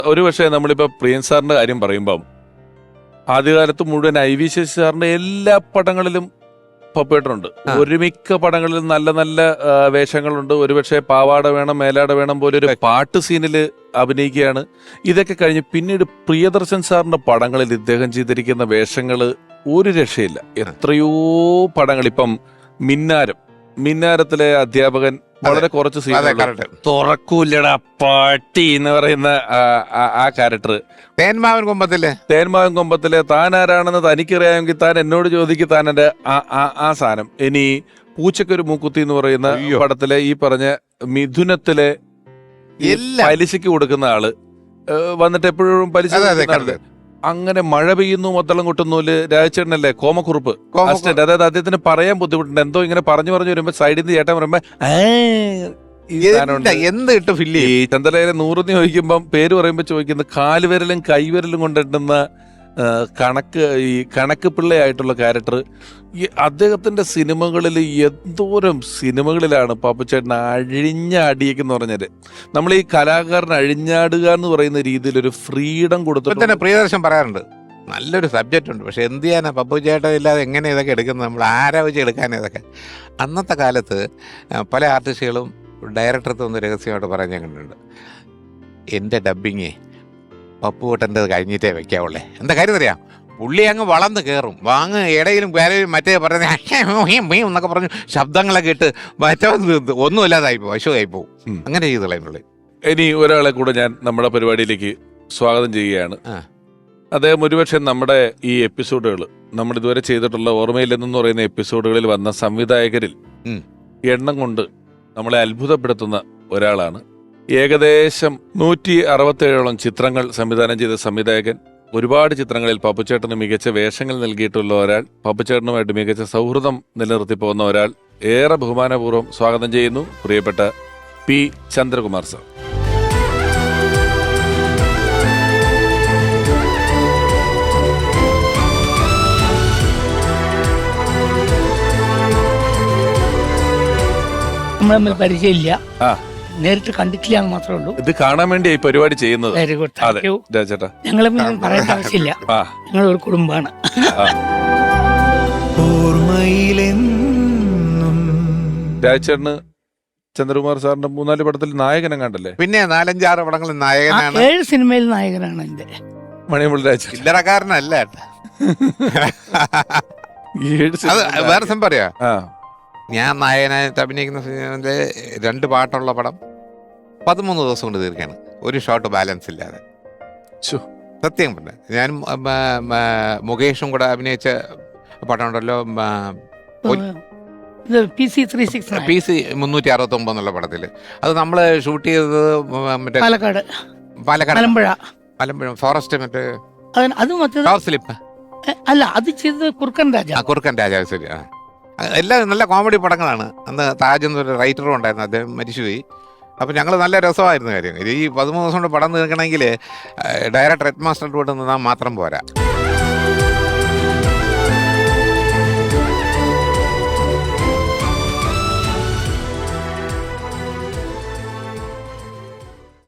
ഒരു പക്ഷേ നമ്മളിപ്പോൾ പ്രിയൻ സാറിന്റെ കാര്യം പറയുമ്പം ആദ്യകാലത്ത് മുഴുവൻ IV ശശി സാറിന്റെ എല്ലാ പടങ്ങളിലും പപ്പേട്ടനുണ്ട്. ഒരുമിക്ക പടങ്ങളിലും നല്ല നല്ല വേഷങ്ങളുണ്ട്. ഒരുപക്ഷെ പാവാട വേണം മേലാട വേണം പോലെ ഒരു പാട്ട് സീനില് അഭിനയിക്കുകയാണ്. ഇതൊക്കെ കഴിഞ്ഞ് പിന്നീട് പ്രിയദർശൻ സാറിന്റെ പടങ്ങളിൽ ഇദ്ദേഹം ചെയ്തിരിക്കുന്ന വേഷങ്ങള് ഒരു രക്ഷയില്ല. എത്രയോ പടങ്ങൾ. ഇപ്പം മിന്നാരത്തിലെ അധ്യാപകൻ വളരെ കുറച്ച് സീനുകൾ. തുറക്കൂല്ലടാ പട്ടി എന്ന് പറയുന്ന ആ ക്യാരക്ടർ. തേന്മാവൻ കൊമ്പത്തിലെ താൻ ആരാണെന്ന് തനിക്കറിയാമെങ്കിൽ താൻ എന്നോട് ചോദിക്കും താൻ എന്റെ ആ സാധനം. ഇനി പൂച്ചക്കൊരു മൂക്കുത്തി എന്ന് പറയുന്ന പടത്തിലെ ഈ പറഞ്ഞ മിഥുനത്തിലെ പലിശക്ക് കൊടുക്കുന്ന ആള് വന്നിട്ട് എപ്പോഴും പലിശ. അങ്ങനെ മഴ പെയ്യുന്നു മൊത്തളം കൊട്ടുന്നൂല് രാജചേട്ടനല്ലേ കോമക്കുറുപ്പ് അസിസ്റ്റന്റ്. അതായത് അദ്ദേഹത്തിന് പറയാൻ ബുദ്ധിമുട്ടുണ്ട്. എന്തോ ഇങ്ങനെ പറഞ്ഞു വരുമ്പോ സൈഡിൽ നിന്ന് ചേട്ടൻ പറയുമ്പോ ഈ ചന്ദ്രലേഖനെ 100 ചോദിക്കുമ്പം പേര് പറയുമ്പോ ചോദിക്കുന്നത് കാലുവിരലും കൈവിരലും കൊണ്ടിട്ടുന്ന കണക്ക് പിള്ളയായിട്ടുള്ള ക്യാരക്ടർ. ഈ അദ്ദേഹത്തിന്റെ സിനിമകളിൽ എന്തോരം സിനിമകളിലാണ് പാപ്പുച്ചേട്ടൻ അഴിഞ്ഞ അടിയെന്ന് പറഞ്ഞാല് നമ്മൾ ഈ കലാകാരൻ അഴിഞ്ഞാടുക എന്ന് പറയുന്ന രീതിയിൽ ഒരു ഫ്രീഡം കൊടുത്തിട്ട് പ്രിയദർശൻ പറയാറുണ്ട് നല്ലൊരു സബ്ജക്റ്റ് ഉണ്ട്, പക്ഷെ എന്ത് ചെയ്യാനാ പപ്പുച്ചേട്ടൻ ഇല്ലാതെ എങ്ങനെ ഇതൊക്കെ എടുക്കുന്നത്, നമ്മൾ ആരാ വെച്ച് എടുക്കാൻ ഇതൊക്കെ. അന്നത്തെ കാലത്ത് പല ആർട്ടിസ്റ്റുകളും ഡയറക്ടർക്ക് ഒന്ന് രഹസ്യമായിട്ട് പറയാൻ ഞാൻ കണ്ടിട്ടുണ്ട്, എൻ്റെ ഡബ്ബിങ്ങേ പപ്പുവട്ടൻ്റെ കഴിഞ്ഞിട്ടേ വെക്കാവുള്ളേ. എന്താ കാര്യം അറിയാം, പുള്ളി അങ്ങ് വളർന്ന് കയറും, ഇടയിലും വേലയിലും മറ്റേ പറഞ്ഞ എന്നൊക്കെ പറഞ്ഞു ശബ്ദങ്ങളൊക്കെ ഇട്ട് മറ്റേ ഒന്നുമില്ലാതായി പോകും, അശുവായി പോകും. അങ്ങനെ ചെയ്ത് കളയുന്നുള്ളൂ. ഇനി ഒരാളെ കൂടെ ഞാൻ നമ്മുടെ പരിപാടിയിലേക്ക് സ്വാഗതം ചെയ്യുകയാണ്. അദ്ദേഹം ഒരുപക്ഷെ നമ്മുടെ ഈ എപ്പിസോഡുകൾ നമ്മൾ ഇതുവരെ ചെയ്തിട്ടുള്ള ഓർമ്മയില്ലെന്ന് പറയുന്ന എപ്പിസോഡുകളിൽ വന്ന സംവിധായകരിൽ എണ്ണം കൊണ്ട് നമ്മളെ അത്ഭുതപ്പെടുത്തുന്ന ഒരാളാണ്. ഏകദേശം 167ഓളം ചിത്രങ്ങൾ സംവിധാനം ചെയ്ത സംവിധായകൻ. ഒരുപാട് ചിത്രങ്ങളിൽ പപ്പുച്ചേട്ടന് മികച്ച വേഷങ്ങൾ നൽകിയിട്ടുള്ള ഒരാൾ, പപ്പുച്ചേട്ടനുമായിട്ട് മികച്ച സൗഹൃദം നിലനിർത്തി പോകുന്ന ഒരാൾ. ഏറെ ബഹുമാനപൂർവ്വം സ്വാഗതം ചെയ്യുന്നു പ്രിയപ്പെട്ട പി ചന്ദ്രകുമാർ സാർ. നമ്മൾ പരിചയമില്ല, നേരിട്ട് കണ്ടിട്ടില്ല എന്ന് മാത്രമേ ഉള്ളൂ. ഇത് കാണാൻ വേണ്ടി ഈ പരിപാടി ചെയ്യുന്നത്. Very good, thank you. ഞങ്ങൾ പറയേണ്ട ആവശ്യമില്ല, ഞങ്ങൾ ഒരു കുടുംബമാണ്. രാജേട്ടന് ചന്ദ്രകുമാർ സാറിന്റെ 3-4 പടത്തിൽ നായകനെ കണ്ടല്ലേ? പിന്നെ 4-5-6 പടങ്ങളിൽ നായകനാണ്. 7 സിനിമയിൽ നായകനാണ് എന്റെ മണിമുള്ള രാജ. ചില്ലറക്കാരനല്ല. വേറെ സംഭവം പറയാ, ഞാൻ നായകനായിട്ട് അഭിനയിക്കുന്ന സിനിമയിലെ 2 പാട്ടുള്ള പടം 13 ദിവസം കൊണ്ട് തീർക്കാണ്, ഒരു ഷോട്ട് ബാലൻസ് ഇല്ലാതെ. സത്യം പറഞ്ഞ ഞാൻ മുകേഷും കൂടെ അഭിനയിച്ച പടം ഉണ്ടല്ലോ, PC 369 എന്നുള്ള പടത്തില്. അത് നമ്മള് ഷൂട്ട് ചെയ്തത് മറ്റേ പാലക്കാട് മലമ്പുഴ ഫോറസ്റ്റ് മറ്റേ സ്ലിപ്പ് അല്ല, അത് ചെയ്തത് കുറുക്കൻ രാജാവ്. ശരി. എല്ലാം നല്ല കോമഡി പടങ്ങളാണ്. അന്ന് താജ് എന്നൊരു റൈറ്ററും ഉണ്ടായിരുന്നു, അദ്ദേഹം മരിച്ചുപോയി. അപ്പം ഞങ്ങൾ നല്ല രസമായിരുന്നു കാര്യം. ഈ 13 ദിവസം കൊണ്ട് പടം തീർക്കണമെങ്കിൽ ഡയറക്ടർ ഹെഡ് മാസ്റ്റർ കൂടെ നിന്നാൽ മാത്രം പോരാ.